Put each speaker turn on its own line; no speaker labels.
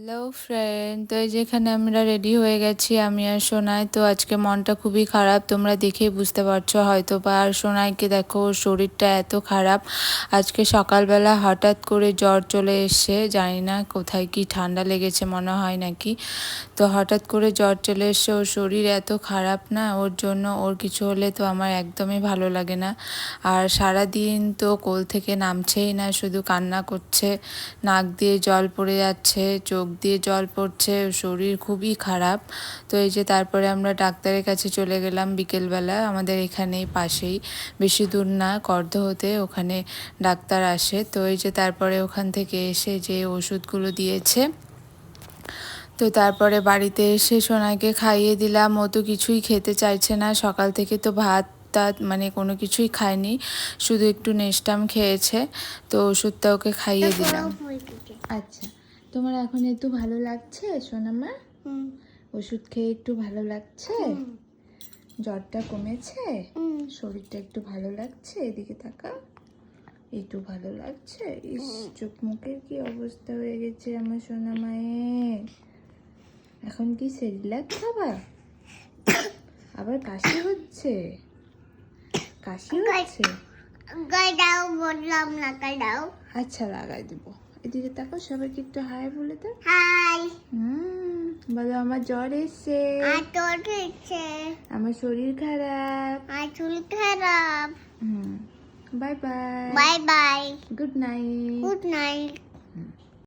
Hello friend, তো এই যেখানে আমরা রেডি হয়ে গেছি আমি আর সোনাই। তো আজকে মনটা খুবই খারাপ, তোমরা দেখেই বুঝতে পারছো হয়তো বা। আর সোনাইকে দেখো, ওর শরীরটা এত খারাপ। আজকে সকালবেলা হঠাৎ করে জ্বর চলে এসছে, জানি না কোথায় কি ঠান্ডা লেগেছে মনে হয় নাকি। তো হঠাৎ করে জ্বর চলে এসছে, ওর শরীর এত খারাপ না, ওর জন্য ওর কিছু হলে তো আমার একদমই ভালো লাগে না। আর সারাদিন তো কোল থেকে নামছেই না, শুধু কান্না করছে, নাক দিয়ে জল পড়ে যাচ্ছে, চোখ দিয়ে জল পড়ছে, শরীর খুবই খারাপ। তো এই যে তারপরে আমরা ডাক্তারের কাছে চলে গেলাম বিকেলবেলা, আমাদের এখানেই পাশেই, বেশি দূর না, কর্দ হতে ওখানে ডাক্তার আসে। তো এই যে তারপরে ওখান থেকে এসে যে ওষুধগুলো দিয়েছে, তো তারপরে বাড়িতে এসে সোনাকে খাইয়ে দিলাম। ও তো কিছুই খেতে চাইছে না, সকাল থেকে তো ভাত টাত মানে কোনো কিছুই খায়নি, শুধু একটু নেস্টাম খেয়েছে। তো ওষুধটা ওকে খাইয়ে দিলাম। আচ্ছা, তোমার এখন একটু ভালো লাগছে সোনামা? ওষুধ খেয়ে একটু ভালো লাগছে? জ্বরটা কমেছে? শরীরটা একটু ভালো লাগছে? এদিকে তাকা, একটু ভালো লাগছে? ইস, চোখ মুখের কি অবস্থা হয়ে গেছে আমার সোনা মায়ের। এখন কি সেরিল্যাক খাবা? আবার কাশি হচ্ছে? কাশি হচ্ছে?
দাও বললাম না, দাও।
আচ্ছা, লাগাই দেবো। এদিকে তাকাও, সবাইকে একটু হাই বলে দাও।
হাই।
বলো আমার জ্বর এসছে,
আর তোর হচ্ছে,
আমার শরীর খারাপ।
আর চুল খারাপ।
Bye bye.
Bye bye.
Good night.
Good night.